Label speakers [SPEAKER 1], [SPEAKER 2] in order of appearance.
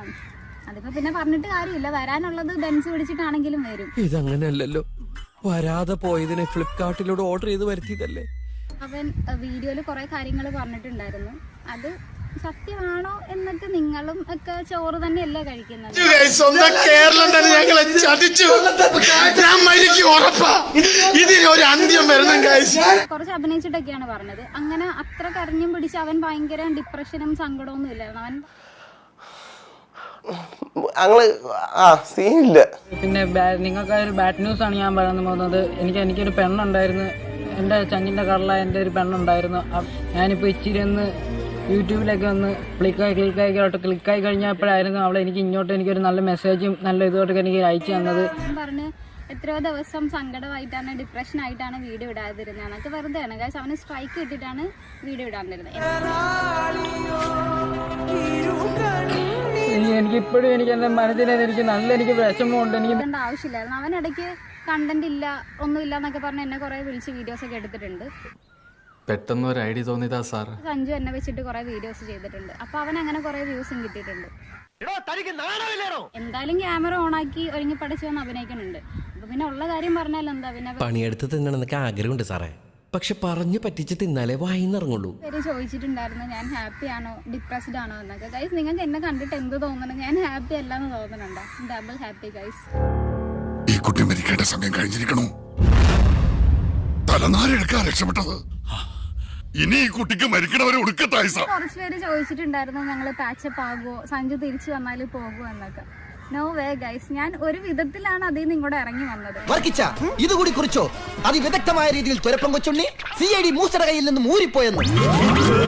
[SPEAKER 1] അതിപ്പോ പിന്നെ പറഞ്ഞിട്ട് കാര്യമില്ല, വരാനുള്ളത് ബെൻസ് പിടിച്ചിട്ടാണെങ്കിലും വരും.
[SPEAKER 2] ഇതങ്ങനെയല്ലല്ലോ, വരാതെ പോയതിനെ ഫ്ലിപ്കാർട്ടിലൂടെ ഓർഡർ ചെയ്ത് വരുത്തിയതല്ലേ.
[SPEAKER 1] അവൻ വീഡിയോയിൽ കുറെ കാര്യങ്ങൾ പറഞ്ഞിട്ടുണ്ടായിരുന്നു. അത് സത്യമാണോ എന്നൊക്കെ നിങ്ങളും ഒക്കെ ചോറ് തന്നെയല്ലേ കഴിക്കുന്നത്.
[SPEAKER 3] കേരളം തന്നെ ഞങ്ങളെ ചതിച്ചു.
[SPEAKER 1] കുറച്ച് അഭിനയിച്ചിട്ടൊക്കെയാണ് പറഞ്ഞത്. അങ്ങനെ അത്ര കരഞ്ഞും പിടിച്ച് അവൻ ഭയങ്കര ഡിപ്രഷനും സങ്കടമൊന്നും ഇല്ലായിരുന്നു.
[SPEAKER 4] പിന്നെ നിങ്ങൾക്ക് ഒരു ബാഡ് ന്യൂസ് ആണ് ഞാൻ പറയാൻ പോകുന്നത്. എനിക്കൊരു പെണ്ണുണ്ടായിരുന്നു, എൻ്റെ ചങ്ങിൻ്റെ കടല എൻ്റെ ഒരു പെണ്ണുണ്ടായിരുന്നു. ഞാനിപ്പോൾ ഇച്ചിരി ഒന്ന് യൂട്യൂബിലൊക്കെ ഒന്ന് ക്ലിക്കായി കഴിഞ്ഞപ്പോഴായിരുന്നു അവളെ എനിക്കൊരു നല്ല മെസ്സേജും നല്ല ഇതുമായിട്ടൊക്കെ എനിക്ക് അയച്ചു തന്നത്.
[SPEAKER 1] പറഞ്ഞ് എത്രയോ ദിവസം സങ്കടമായിട്ടാണ്, ഡിപ്രഷൻ ആയിട്ടാണ് വീഡിയോ ഇടാതിരുന്നത്. എന്നൊക്കെ വെറുതെയാണ് ഗൈസ്. അവന് സ്ട്രൈക്ക് കിട്ടിയിട്ടാണ് വീഡിയോ ഇടാതിരുന്നത്.
[SPEAKER 4] എനിക്കിപ്പോഴും എൻ്റെ മനസ്സിൽ എനിക്ക് വിഷമമുണ്ട്.
[SPEAKER 1] എനിക്ക് ആവശ്യമില്ലായിരുന്നു. അവനിടയ്ക്ക് കണ്ടന്റ് ഇല്ല, ഒന്നുമില്ല എന്നൊക്കെ പറഞ്ഞ് എന്നെ കുറെ വിളിച്ച് വീഡിയോസ് ഒക്കെ എടുത്തിട്ടുണ്ട്.
[SPEAKER 5] പെട്ടെന്ന് ഒരു ഐഡിയ തോന്നിയതാ സാർ.
[SPEAKER 1] സഞ്ജു എന്നെ വെച്ചിട്ട് കുറെ വീഡിയോസ് ചെയ്തിട്ടുണ്ട്. അപ്പൊ അവൻ അങ്ങനെ കുറെ വ്യൂസും കിട്ടിയിട്ടുണ്ട്. എന്തായാലും ക്യാമറ ഓണാക്കി ഒരുങ്ങി പഠിച്ചു വന്ന് അഭിനയിക്കുന്നുണ്ട്. അപ്പൊ പിന്നെ ഉള്ള കാര്യം പറഞ്ഞാൽ എന്താ, പിന്നെ
[SPEAKER 2] പണിയെടുത്ത് തിന്നണമെന്നൊക്കെ ആഗ്രഹമുണ്ട് സാറേ, പക്ഷെ പറഞ്ഞു പറ്റിച്ച് തിന്നാലേ വായിന്നിറങ്ങുള്ളൂ.
[SPEAKER 1] പേര് ചോദിച്ചിട്ടുണ്ടായിരുന്നു ഞാൻ ഹാപ്പി ആണോ ഡിപ്രസ്ഡ് ആണോ എന്നൊക്കെ. ഗൈസ്, നിങ്ങൾക്ക് എന്നെ കണ്ടിട്ട് എന്ത് തോന്നണം? ഞാൻ ഹാപ്പി അല്ലാന്ന് തോന്നുന്നുണ്ടോ? Double happy guys.
[SPEAKER 3] ഈ കുട്ടി മരിക്കേണ്ട സമയം കഴിഞ്ഞിരിക്കണു. തലനാരെടുക്കാൻ രക്ഷപ്പെട്ടത്. ഇനി ഈ കുട്ടിക്ക് മരിക്കണവരെ ഒടുക്കത്തായി.
[SPEAKER 1] കുറച്ച് പേര് ചോദിച്ചിട്ടുണ്ടായിരുന്നു ഞങ്ങൾ പാച്ചപ്പ് ആകുമോ, സഞ്ജു തിരിച്ചു വന്നാൽ പോകുമോ എന്നൊക്കെ. നോ വേ ഗൈസ്, ഞാൻ ഒരു വിധത്തിലാണ് അതിൽ നിന്ന് ഇങ്ങോട്ട് ഇറങ്ങി വന്നത്.
[SPEAKER 6] ഇതുകൂടി കുറിച്ചോ അതിവിദഗ്ധമായ രീതിയിൽ തുരപ്പം കൊച്ചുണ്ണി CID മൂസയുടെ കയ്യിൽ നിന്ന് ഊരിപ്പോയെന്ന്.